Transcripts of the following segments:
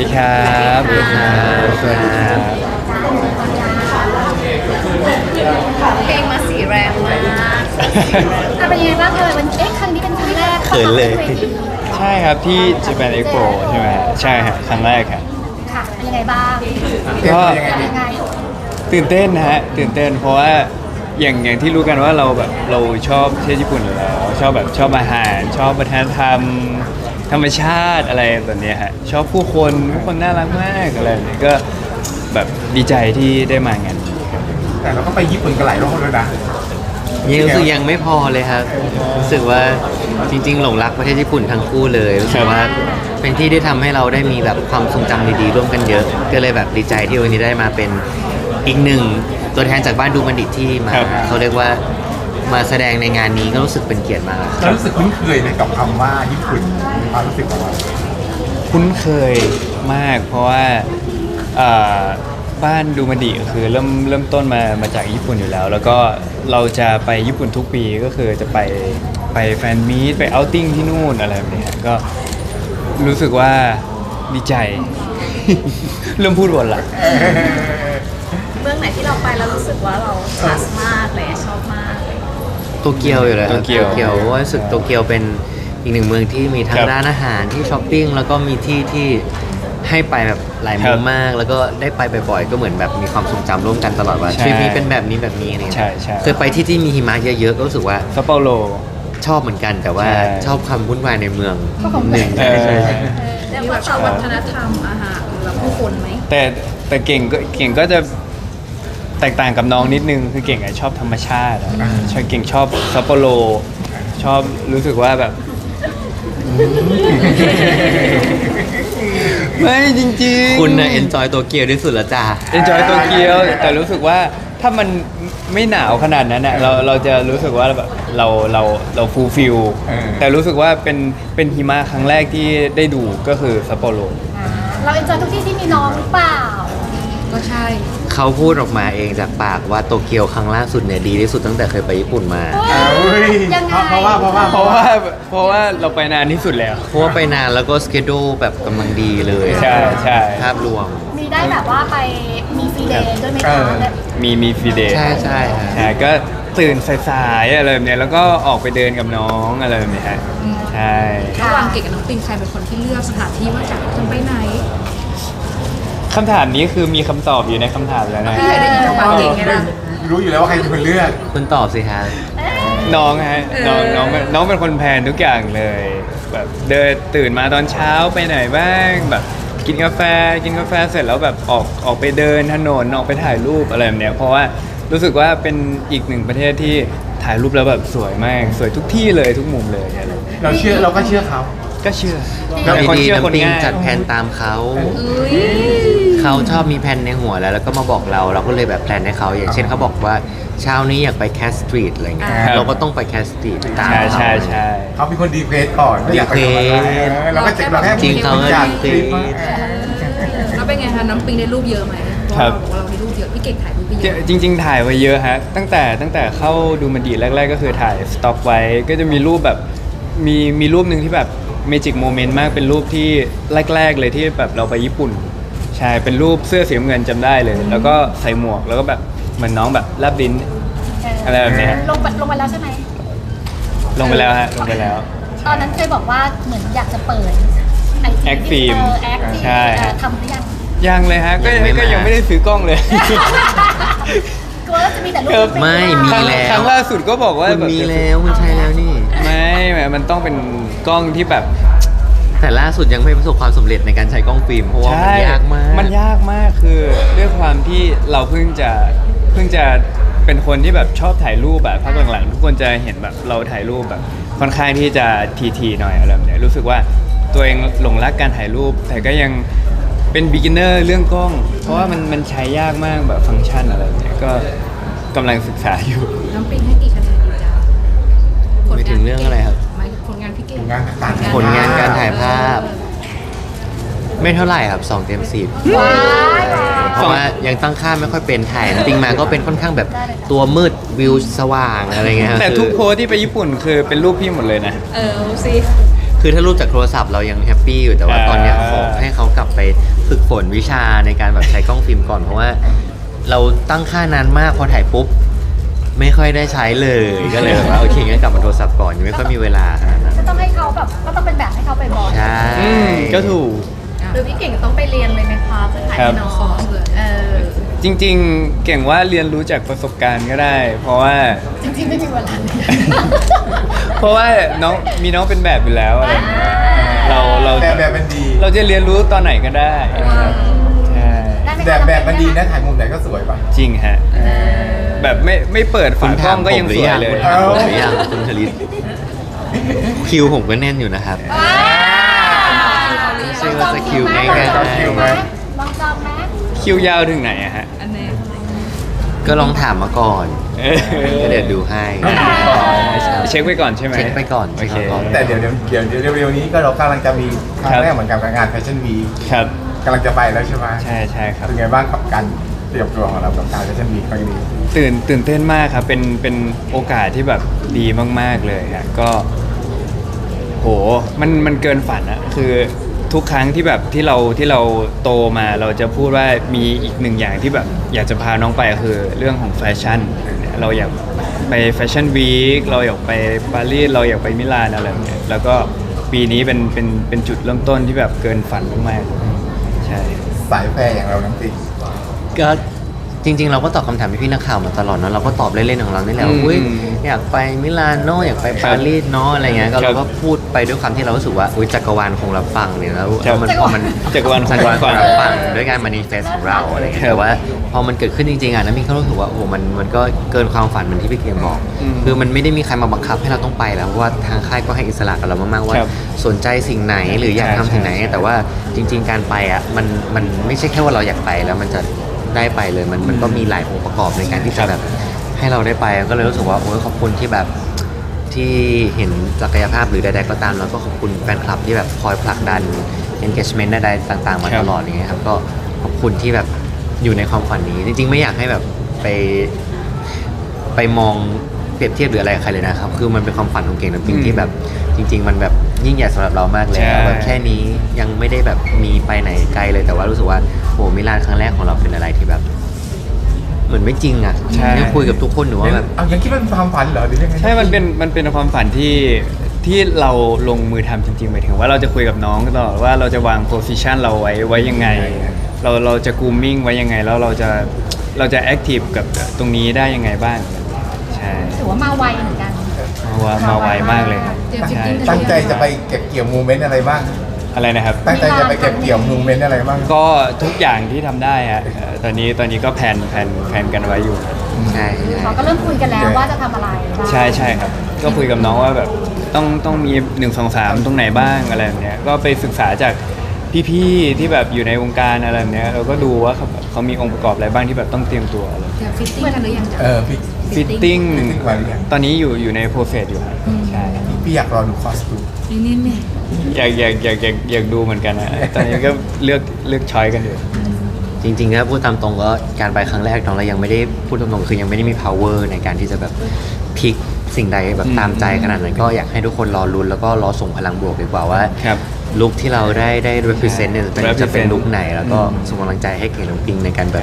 ดีครับสวัสดีครับสวัสดีครับเพลงมาสีแรงมากเป็นยังไงบ้างเลยวันครั้งนี้เป็นครั้งแรกเขินเลยใช่ครับที่ Japan Expo ใช่ไหมใช่ครับครั้งแรกครับค่ะเป็นยังไงบ้างก็ยังไงตื่นเต้นนะฮะตื่นเต้นเพราะว่าอย่างที่รู้กันว่าเราแบบเราชอบเที่ยวญี่ปุ่นอยู่แล้วชอบอาหารชอบวัฒนธรรมธรรมชาติอะไรแบบเนี้ยฮะชอบผู้คนน่ารักมากอะไรแบบนี้ก็แบบดีใจที่ได้มางานนี้ครับแต่เราก็ไปญี่ปุ่นกันหลายรอบแล้วนะยังรู้สึกยังไม่พอเลยครับรู้สึกว่าจริงๆหลงรักประเทศญี่ปุ่นทั้งคู่เลยรู้สึกว่าเป็นที่ที่ทำให้เราได้มีแบบความทรงจำดีๆร่วมกันเยอะ ก็เลยแบบดีใจที่วันนี้ได้มาเป็นอีกหนึ่งตัวแทนจากบ้านดูบัณฑิตที่มาเขาเรียกว่ามาแสดงในงานนี้ก็รู้สึกเป็นเกียรติมากครับเรารู้สึกคุ้นเคยไหมกับคำว่าญี่ปุ่นความรู้สึกของเราคุ้นเคยมากเพราะว่าอ่าบ้านดูมันดีก็คือเริ่มต้นมาจากญี่ปุ่นอยู่แล้ว แล้วก็เราจะไปญี่ปุ่นทุกปีก็คือจะไปแฟนมีตไปเอาท์ติ้งที่นู่นอะไรแบบนี้ก็รู้สึกว่าดีใจ เริ่มพูดวนละเมืองไหนที่เราไปแล้วรู้สึกว่าเราคลาสมากเลยชอบมากเลยโตเกียวอยู่เลยครับโตเกียวเพราะว่ารู้สึกโตเกียวเป็นอีกหนึ่งเมืองที่มีทั้คงรับร้านอาหารที่ช้อปปิ้งแล้วก็มีที่ที่ให้ไปแบบหลายคมุรัมบมาก แล้วก็ได้ไปบ่อยๆก็เหมือนแบบมีความทรงจำร่วมกันตลอดว่าใช่ทริปนี้เป็นแบบนี้แบบนี้อะไรเงี้ยใช่ใช่เคยไปที่มีหิมะเยอะๆก็รู้สึกว่าซัปโปโรชอบเหมือนกันแต่ว่าใช่ชอบความวุ่นวายในเมืองก็ของหนึ่งเออใช่ใช่เรียกว่าชอบวัฒนธรรมอาหารหรือผู้คนไหมแต่เก่งก็จะแตกต่างกับน้องนิดนึงคือเก่งอะชอบธรรมชาติอะชอบเก่งชอบซัปโปโรชอบรู้สึกว่าแบบ ไม่จริงๆคุณน่ะเอนจอยโตเกียวที่สุดละจ้า enjoy โตเกียวแต่รู้สึกว่าถ้ามันไม่หนาวขนาดนั้นอะเราจะรู้สึกว่าแบบเราฟูลฟิลแต่รู้สึกว่าเป็นหิมะครั้งแรกที่ได้ดูก็คือซัปโปโรเราเอ็นจอยทุกที่ที่มีน้องหรือเปล่าก็ใช่เขาพูดออกมาเองจากปากว่าโตเกียวครั้งล่าสุดเนี่ยดีที่สุดตั้งแต่เคยไปญี่ปุ่นมายังไงเพราะว่าเพราะว่าเราไปนานที่สุดแล้วเพราะว่าไปนานแล้วก็สเกดูแบบกำลังดีเลยใช่ภาพรวมมีได้แบบว่าไปมีฟรีเดย์ด้วยไหมคะมีฟรีเดย์ใช่ใช่ฮะใช่ก็ตื่นสายๆอะไรแบบเนี้ยแล้วก็ออกไปเดินกับน้องอะไรแบบเนี้ยฮะใช่ระหว่างเก่งกับน้องปิงใครเป็นคนที่เลือกสถานที่ว่าจะไปไหนคำถามนี้คือมีคำตอบอยู่ในคำถามแล้วนะพี่เคยได้ยินจากปากเก่งไงล่ะรู้อยู่แล้วว่าใครเป็นคนเลือกคุณตอบสิฮะน้องฮะน้องเป็นคนแพลนทุกอย่างเลยแบบเดินตื่นมาตอนเช้าไปไหนบ้างแบบกินกาแฟเสร็จแล้วแบบออกไปเดินถนนออกไปถ่ายรูปอะไรแบบเนี้ยเพราะว่ารู้สึกว่าเป็นอีกหนึ่งประเทศที่ถ่ายรูปแล้วแบบสวยมากสวยทุกที่เลยทุกมุมเลยอะไรแบบเนี้ยเราก็เชื่อเขาก็เชื่อแล้วเป็นคนดีเชื่อๆคนน้ำปิงง่ายจัดแผนตามเขา เขาชอบมีแผนในหัวแล้วก็มาบอกเราก็เลยแบบแพลนให้เขาอย่างเช่นเขาบอกว่าเช้านี้อยากไปแคสสตรีทอะไรเงี้ยเราก็ต้องไปแคสสตรีทตามใช่เขาใช่เขาเป็นคนดีเควสก่อนว่าอยากไปทำอะไรเราก็เราแค่จริงเขาก็อยากดีคลิปแล้วเป็นไงคะน้องปิงได้รูปเยอะไหมเพราะเราได้รูปเยอะพี่เก่งถ่ายรูปไปเยอะจริง ๆ ถ่ายไว้เยอะฮะตั้งแต่เข้าดูมันดีแรก ๆ ก็คือถ่ายสต็อกไว้ก็จะมีรูปแบบมีรูปหนึ่งที่แบบเมจิกโมเมนต์มากเป็นรูปที่แรก ๆ เลยที่แบบเราไปญี่ปุ่นใช่เป็นรูปเสื้อสีน้ำเงินจำได้เลย แล้วก็ใส่หมวกแล้วก็แบบเหมือนน้องแบบแลบลิ้นอะไรแบบเนี้ยลงไปแล้วใช่ไหมลงไปแล้วฮะลงไปแล้วตอนนั้นเคยบอกว่าเหมือนอยากจะเปิดไอแอคฟิล์มแอคที่ใช่ฮะทำหรือยังยังเลยฮะก็ยังไม่ได้ซื้อกล้องเลยกลัวว่าจะมีแต่รูปครับเป็นไม่รูปมีครั้งแล้วครั้งล่าสุดก็บอกว่าคุณแบบมีแล้วคุณใช้แล้วนี่ไม่มันต้องเป็นกล้องที่แบบแต่ล่าสุดยังไม่ประสบความสำเร็จในการใช้กล้องฟิล์มเพราะว่ามันยากมากมันยากมากคือด้วยความที่เราเพิ่งจะเป็นคนที่แบบชอบถ่ายรูปแบบพักหลังๆทุกคนจะเห็นแบบเราถ่ายรูปแบบค่อนข้างที่จะทีหน่อยอะไรแบบเนี้ยรู้สึกว่าตัวเองหลงรักการถ่ายรูป แต่ก็ยังเป็น beginner เรื่องกล้อง เพราะว่ามันใช้ยากมากแบบฟังก์ชันอะไรแบบเนี้ยก็กำลังศึกษาอยู่น้องปิงให้กี่คะแนนดีจ้าไม่ถึงเรื่องอะไรครับหมายถึงผลงานพี่เก่งผลงานการถ่ายภาพ ไม่เท่าไหร่ครับ2 เต็ม 10 ว้ายว้ายเพราะว่ายังตั้งค่าไม่ค่อยเป็นถ่ายปิงมาก็เป็นค่อนข้างแบบตัวมืดวิวสว่างอะไรเงี้ยแต่ทุกโพสที่ไปญี่ปุ่นคือเป็นรูปพี่หมดเลยนะเอาสิคือถ้ารูปจากโทรศัพท์เรายังแฮปปี้อยู่แต่ว่าตอนเนี้ยขอให้เขากลับไปฝึกฝนวิชาในการแบบใช้กล้องฟิล์มก่อนเพราะว่าเราตั้งค่านานมากพอถ่ายปุ๊บไม่ค่อยได้ใช้เลยก็เลยแบบว่าโอเคงั้นกลับมาโทรศัพท์ก่อนยังไม่ค่อยมีเวลาขนาดนั้นก็ต้องให้เขาแบบก็ต้องเป็นแบบให้เขาไปบอกใช่ก็ถูกหรือพี่เก่งต้องไปเรียนเลยไหมคะเพื่อถ่ายให้น้องจริงๆ เก่งว่าเรียนรู้จากประสบการณ์ก็ได้ เพราะว่าจริงๆไม่มีเวลาเพราะว่ามีน้องเป็นแบบอยู่แล้วอะไรอย่างเงี้ยเราแบบมันดีเราจะเรียนรู้ตอนไหนก็ได้ครับใช่ได้ไหมคะแบบมันดีนะถ่ายมุมไหนก็สวยป่ะจริงฮะแบบไม่เปิดฝากล้องก็ยังสวยเลยคุณถามผมหรือยังคุณชลิตคิวผมก็แน่นอยู่นะครับไม่ใช่ว่าจะคิวง่ายลองจองไหมลองจองไหมคิวยาวถึงไหนอะฮะอันนี้ๆก็ลองถามมาก่อนก็เดี๋ยวดูให้เช็คไว้ก่อนใช่ไหมเช็คไปก่อนโอเคเช็คไปก่อนแต่เดี๋ยวเร็วๆนี้ก็เรากำลังจะมีครั้งแรกเหมือนกับงานแฟชั่นวีคครับกำลังจะไปแล้วใช่ไหมใช่ครับเป็นไงบ้างกับการเตรียมตัวของเรากับการแฟชั่นวีคครั้งนี้ตื่นเต้นมากครับเป็นโอกาสที่แบบดีมากๆเลยฮะก็โหมันเกินฝันอะคือทุกครั้งที่แบบที่เราโตมาเราจะพูดว่ามีอีกหนึ่งอย่างที่แบบอยากจะพาน้องไปคือเรื่องของแฟชั่นเราอยากไปแฟชั่นวีคเราอยากไปปารีสเราอยากไปมิลานอะไรแบบเนี้ยแล้วก็ปีนี้เป็นจุดเริ่มต้นที่แบบเกินฝันมากๆใช่สายแฟร์อย่างเราน้ำติงก็จริง ๆ เราก็ตอบคำถามพี่ๆนักข่าวมาตลอดเนอะเราก็ตอบเล่นๆของเรานี่แหละว่าอุ๊ยอยากไปมิลานโนอยากไปปารีสเนาะอะไรเงี้ยก็เราก็พูดไปด้วยความที่เรารู้สึกว่าอุ๊ยจักรวาลคงรับฟังเนี่ยแล้วมันพอมันจักรวาลคงรับฟังรับฟังด้วยการมานิเฟสของเราอะไรเงี้ยแต่ว่าพอมันเกิดขึ้นจริงๆอ่ะน้ำมินก็รู้สึกว่าโอ้โหมันก็เกินความฝันเหมือนที่พี่เกียร์บอก คือมันไม่ได้มีใครมาบังคับให้เราต้องไปแล้วเพราะว่าทางค่ายก็ให้อิสระกับเรามากๆว่าครับสนใจสิ่งไหนหรืออยากทำสิ่งไหน แต่ว่าจริง ๆ การไปอ่ะมันไม่ใช่แค่ว่าเราอยากไปแล้วมันจะได้ไปเลยมันก็มีหลายองค์ประกอบในการที่จะแบบให้เราได้ไปก็เลยรู้สึกว่าโอ้ยขอบคุณที่แบบที่เห็นศักยภาพหรือใดๆก็ตามแล้วก็ขอบคุณแฟนคลับที่แบบคอยผลักดัน engagement ใดๆต่างๆมาตลอดอย่างเงี้ยครับก็ขอบคุณที่แบบอยู่ในความฝันนี้จริงๆไม่อยากให้แบบไปมองเปรียบเทียบหรืออะไรกับใครเลยนะครับคือมันเป็นความฝันของเก่งน้ำปิงที่แบบจริง ๆ มันแบบยิ่งใหญ่สำหรับเรามากเลยแบบแค่นี้ยังไม่ได้แบบมีไปไหนไกลเลยแต่ว่ารู้สึกว่าโหมิลานครั้งแรกของเราเป็นอะไรที่แบบ เหมือนไม่จริงอ่ะยังคุยกับทุกคนหนูว่าแบบเอายังคิดว่าเป็นความฝันเหรอหรือยังไงใช่มันเป็นความฝันที่เราลงมือทำจริงๆหมายถึงว่าเราจะคุยกับน้องตลอดว่าเราจะวางโพสิชันเราไว้ยังไง เราจะกูมมิ่งไว้ยังไงแล้วเราจะแอคทีฟกับตรงนี้ได้ยังไงบ้างใช่ถือว่ามาไวเหมือนกันมาไวมากเลยครับเตรียมจริใช่งๆตั้งใจจะไปเก็บเกี่ยวโมเมนต์อะไรบ้างอะไรนะครับตั้งใจจะไปเก็บเกี่ยวโมเมนต์อะไรบ้างก็ทุกอย่างที่ทำได้ฮะตอนนี้ก็แผนกันไว้อยู่ใช่เขาก็เริ่มคุยกันแล้วว่าจะทำอะไรบ้างใช่ครับ ก็คุยกับน้องว่าแบบต้องมี1 2 3ตรงไหนบ้างอะไรแบบเนี้ยก็ไปศึกษาจากพี่ๆที่แบบอยู่ในวงการอะไรแบบเนี้ยเราก็ดูว่าเขามีองค์ประกอบอะไรบ้างที่แบบต้องเตรียมตัวอะไรเตรียมฟิตติ้งกันหรือยังจ๊ะพี่ฟิตติ้งไว้หรือยังตอนนี้อยู่ในโปรเซสอยู่ครับใช่พี่อยากรอดูคอสตูมนี่เนี่ยอยากดูเหมือนกันนะตอนนี้ก็เลือกช้อยกันอยู่จริงๆถ้าพูดตามตรงก็การไปครั้งแรกน้องเรายังไม่ได้พูดตรงๆคือยังไม่ได้มี power ในการที่จะแบบพลิกสิ่งใดแบบตามใจขนาดนั้นก็อยากให้ทุกคนรอลุ้นแล้วก็รอส่งพลังบวกดีกว่าว่าครับลุคที่เราได้ represent เนี่ยจะเป็น represent ลุคไหนแล้วก็ส่งกำลังใจให้เก่งน้ำปิงในการแบบ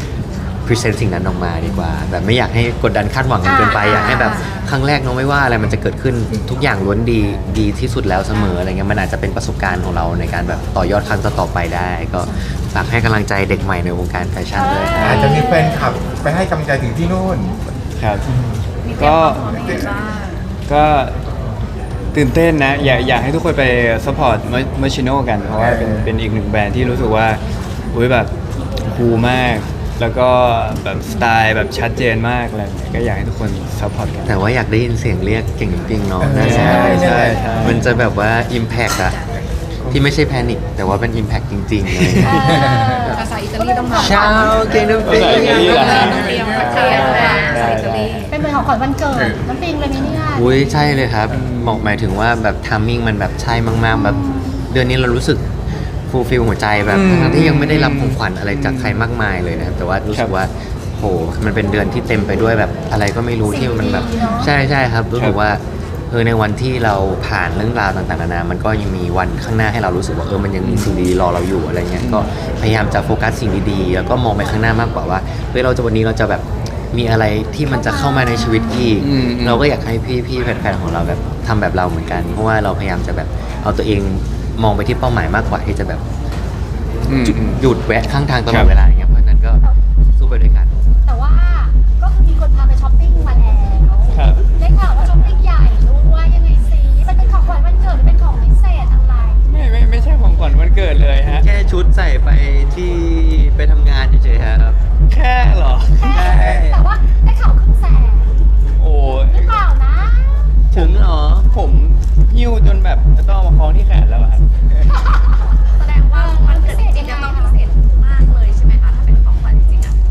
present สิ่งนั้นออกมาดีกว่า แบบไม่อยากให้กดดันคาดหวังกันเกินไปอยากให้แบบครั้งแรกน้องไม่ว่าอะไรมันจะเกิดขึ้นทุกอย่างล้วนดีที่สุดแล้วเสมออะไรเงี้ยมันอาจจะเป็นประสบการณ์ของเราในการแบบต่อยอดครั้งต่อๆไปได้ ก็ฝากให้กำลังใจเด็กใหม่ในวงการแฟชั่นด้วยครับอาจจะมีแฟนคลับไปให้กำลังใจถึงที่นู่นครับมีเตรียก็มความพร้อมยังไงบ้างก็ตื่นเต้นนะอยากให้ทุกคนไปซัพพอร์ตเมอร์ชิโน่กัน เพราะว่าเป็นอีกหนึ่งแบรนด์ที่รู้สึกว่าอุ้ยแบบคูลมาก แล้วก็แบบสไตล์แบบชัดเจนมากอะไรอย่างเงี้ยก็อยากให้ทุกคนซัพพอร์ตกันแต่ว่าอยากได้ยินเสียงเรียกเก่งจริงๆเนาะน่าใช่จะใช่มันจะแบบว่า impact อะที่ไม่ใช่แพนิคแต่ว่าเป็น impact จริงๆเลยภาษาอิตาลีต้องมาชาวเก่งน้ำปิงภาษาอิตาลีเหรอฮะต้องเตรียมภาษาอิตาลีเป็นเหมือนของขวัญวันเกิดน้ำปิงเลยนี่เนี่ยอุ้ยใช่เลยครับบอกหมายถึงว่าแบบทามมิ่งมันแบบใช่มากๆแบบเดือนนี้เรารู้สึกฟูลฟิลหัวใจแบบทั้งที่ยังไม่ได้รับของขวัญอะไรจากใครมากมายเลยนะครับแต่ว่ารู้สึกว่าโหมันเป็นเดือนที่เต็มไปด้วยแบบอะไรก็ไม่รู้ที่มันแบบใช่ครับรู้สึกว่าในวันที่เราผ่านเรื่องราวต่างๆนานามันก็ยังมีวันข้างหน้าให้เรารู้สึกว่ามันยังมีสิ่งดีๆรอเราอยู่อะไรเงี้ยก็พยายามจะโฟกัสสิ่งดีๆแล้วก็มองไปข้างหน้ามากกว่าว่าวันนี้เราจะแบบมีอะไรที่มันจะเข้ามาในชีวิตอีกเราก็อยากให้พี่ๆแฟนๆของเราแบบทำแบบเราเหมือนกันเพราะว่าเราพยายามจะแบบเอาตัวเองมองไปที่เป้าหมายมากกว่าที่จะแบบหยุดแวะข้างทางตลอดเวลาอย่างเงี้ยเพราะฉะนั้นก็สู้ไปด้วยกันแต่ว่าก็คือมีคนพาไปช้อปปิ้งมาแล้วครับได้ข่าวว่าช้อปปิ้งใหญ่ด้วยยังไงสิมันเป็นของขวัญวันเกิดหรือเป็นของพิเศษอะไรไม่ใช่ของขวัญวันเกิดเลยฮะแค่ชุดใส่ไปที่ไปทำงานเฉยๆครับแค่เหรอแต่ว่าได้ข่าวครึ่งแสนโอ้หรือเปล่านะถึงเหรอผมหิ้วจนแบบต้องเอามาคล้องที่แขนแล้วอะครับแสดงว่ามันพิเศษยังไงต้องพิเศษมากเลยใช่ไหมคะถ้าเป็นของขวัญจริงๆอ่ะ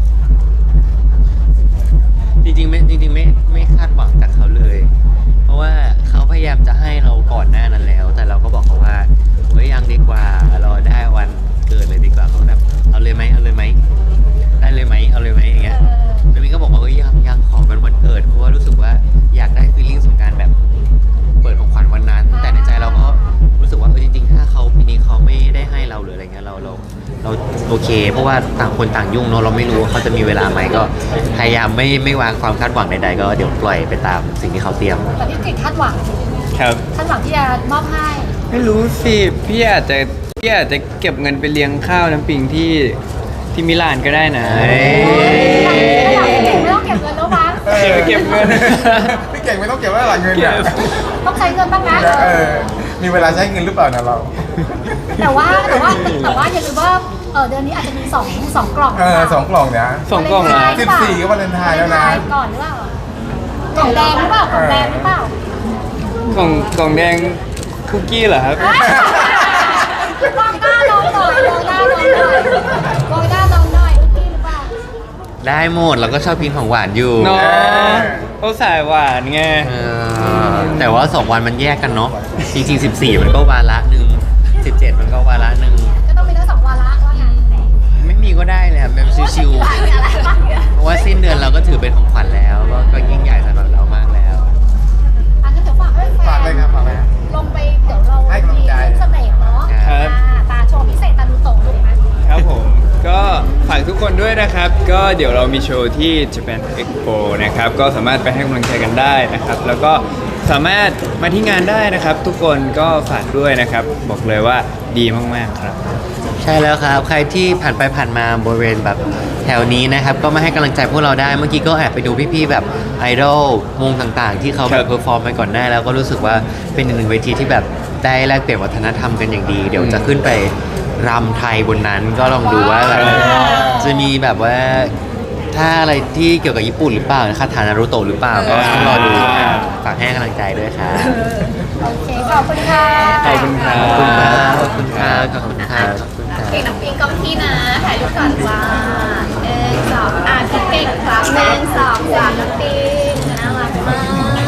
จริงๆไม่คาดหวังจากเขาเลย เพราะว่าเขาพยายามจะให้เราก่อนหน้านั้นแล้ว แต่เราก็บอกเขาว่ายังดีกว่ารอได้วันเกิดเลยดีกว่าเขาแบบเอาเลยไหมได้เลยไหมเอาเลยไหมอย่างเงี้ยแล้วมิ้นก็บอกว่ายังขอเป็นวันเกิดเพราะว่ารู้สึกว่าอยากได้ฟีลลิ่งของการแบบเปิดของขวัญวันนั้น แต่ในใจเราก็รู้สึกว่าจริงๆถ้าเขาปีนี้เขาไม่ได้ให้เราหรืออะไรเงี้ยเราโอเค เพราะว่าต่างคนต่างยุ่งเนาะเราไม่รู้ว่าเขาจะมีเวลาไหมก็พยายามไม่วางความคาดหวังใดๆก็เดี๋ยวปล่อยไปตามสิ่งที่เขาเตรียมแต่พี่เก่งคาดหวังครับคาดหวังที่จะมอบให้ไม่รู้สิพี่อาจจะเก็บเงินไปเลี้ยงข้าวน้ำปิงที่มิลานก็ได้นะไม่อยากให้เก่งไม่ต้องเก็บเงินแล้วมั้งเก็บเงินพี่เก่งไม่ต้องเก็บไว้หลังเงินเก็นะบต้องใช้เงินบ้างนะมีเวลาใช้เงินหรือเปล่านะเราแต่ว่าอย่าลืมว่าเดือนนี้อาจจะมีสองกล่อง 2 กล่องนะสองกล่องเหรอ 14ก็วาเลนไทน์แล้วนะก่อนหรือเปล่ากล่องแดงหรือเปล่ากล่องแดงหรือเปล่ากล่องแดงคุกกี้เหรอครับลองหน้าลองหน่อยลองหน้าลองหน่อยลองหน้าลองหน่อยคุกกี้หรือเปล่าได้หมดเราก็ชอบกินของหวานอยู่เนาะเขาสายหวานไงแต่ว่า2 วันมันแยกกันเนาะจริงๆ14มันก็วาระหนึ่ง17มันก็วาระหนึ่งก็ต้องมีทั้งสองวาระว่างั้นไม่มีก็ได้เลยครับแบบชิวๆเพราะว่าสิ้นเดือนเราก็ถือเป็นของขวัญแล้วก็ยิ่งใหญ่สำหรับเรามากแล้วอันนั้นเดี๋ยวฝากให้แฟฝากเลยนครับฝากเลยครับลงไปเดี๋ยวเราให้กำลังใจเสน่ห์เนาะครับตาโชว์พิเศษตาดูโตลูกนะครับผมก็ฝากทุกคนด้วยนะครับ ก็เดี๋ยวเรามีโชว์ที่ Japan Expo นะครับก็สามารถไปให้กำลังใจกันได้นะครับ แล้วก็สามารถมาที่งานได้นะครับ ทุกคนก็ฝากด้วยนะครับ บอกเลยว่าดีมากๆครับใช่แล้วครับ ใครที่ผ่านไปผ่านมาบริเวณแบบแถวนี้นะครับ ก็มาให้กำลังใจพวกเราได้ เมื่อกี้ก็แอบไปดูพี่ๆแบบไอดอลวงต่างๆ ที่เขาแบครับ บเพอร์ฟอร์มไปก่อนหน้าแล้วก็รู้สึกว่าเป็นอีกหนึ่งเวทีที่แบบได้แลกเปลี่ยนวัฒนธรรมกันอย่างดี เดี๋ยวจะขึ้นไปรำไทยบนนั้นก็ลองดูว่าแบบจะมีแบบว่าถ้าอะไรที่เกี่ยวกับญี่ปุ่นหรือเปล่าคาถานารุโตะหรือเปล่าก็ต้องรอดูฝากให้กำลังใจด้วยครับโอเคขอบคุณค่ะขอบคุณครับขอบคุณครับขอบคุณครับขอบคุณครับเก่งน้ำปิงกล้องพี่นะถ่ายรูปก่อนจ้า1 2พี่เก่งครับ1 2 3น้ำปิงน่ารักมาก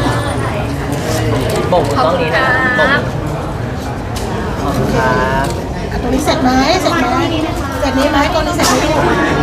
บ่งกล้องนี้นะบ่งขอบคุณครับตรงนี้เสร็จไหมเสร็จไหมเสร็จนี้ไหมตรงนี้เสร็จไหม